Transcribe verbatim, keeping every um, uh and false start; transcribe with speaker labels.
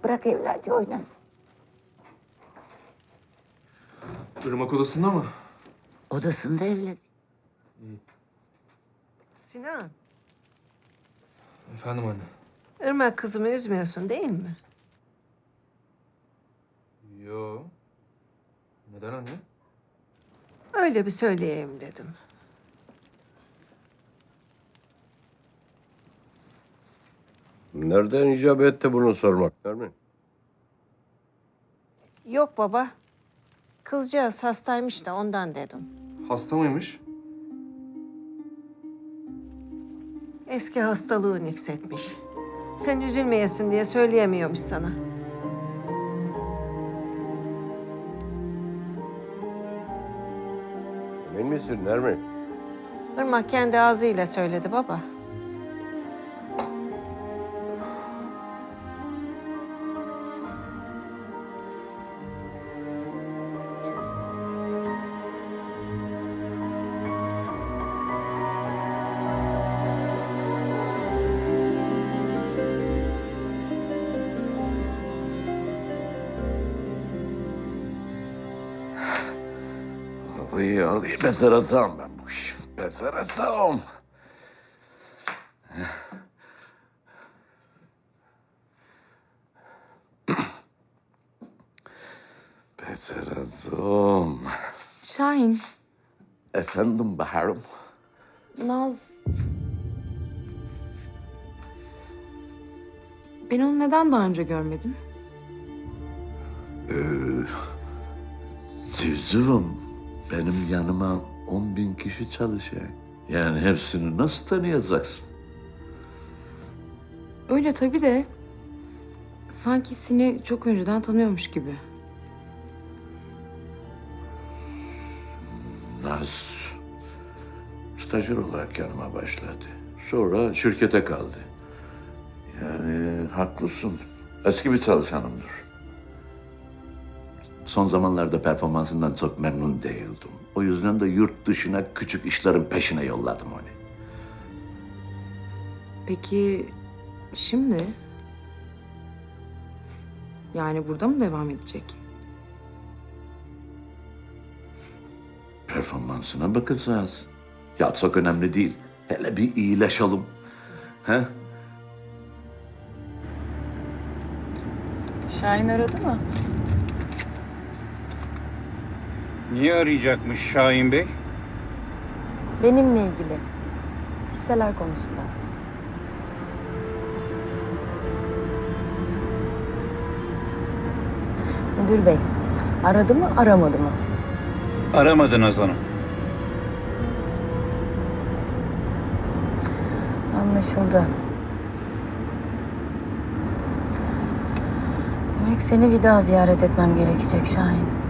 Speaker 1: Bırak evladı oynasın.
Speaker 2: Irmak odasında mı?
Speaker 1: Odasında evladı.
Speaker 3: Sinan,
Speaker 2: Efendim anne.
Speaker 3: Irmak kızımı üzmüyorsun değil mi?
Speaker 2: Yo. Neden anne?
Speaker 3: Öyle bir söyleyeyim dedim.
Speaker 4: Nereden icap etti bunu sormak, Nermin?
Speaker 3: Yok baba, kızcağız hastaymış da ondan dedim.
Speaker 2: Hasta mıymış?
Speaker 3: Eski hastalığı nüksetmiş. Sen üzülmeyesin diye söyleyemiyormuş sana.
Speaker 4: Emin misin Nermin?
Speaker 3: Irmak kendi ağzıyla söyledi baba.
Speaker 5: Arabayı alayım, becereceğim ben bu işi. Becereceğim. Becereceğim.
Speaker 6: Şahin,
Speaker 5: Efendim Bahar'ım.
Speaker 6: Naz... Ben onu neden daha önce görmedim?
Speaker 5: Civcivim, benim yanıma on bin kişi çalışıyor. Yani hepsini nasıl tanıyacaksın?
Speaker 6: Öyle tabii de... Sanki seni çok önceden tanıyormuş gibi.
Speaker 5: Naz, stajyer olarak yanıma başladı. Sonra şirkete kaldı. Yani haklısın. Eski bir çalışanımdır. Son zamanlarda performansından çok memnun değildim. O yüzden de yurt dışına küçük işlerin peşine yolladım onu.
Speaker 6: Peki... Şimdi... Yani burada mı devam edecek?
Speaker 5: Performansına bakacağız. Ya çok önemli değil. Hele bir iyileşelim. He?
Speaker 7: Şahin aradı mı?
Speaker 8: Niye arayacakmış Şahin Bey?
Speaker 7: Benimle ilgili. Hisseler konusunda. Müdür bey, aradı mı, aramadı mı?
Speaker 8: Aramadı Naz Hanım.
Speaker 7: Anlaşıldı. Demek seni bir daha ziyaret etmem gerekecek Şahin.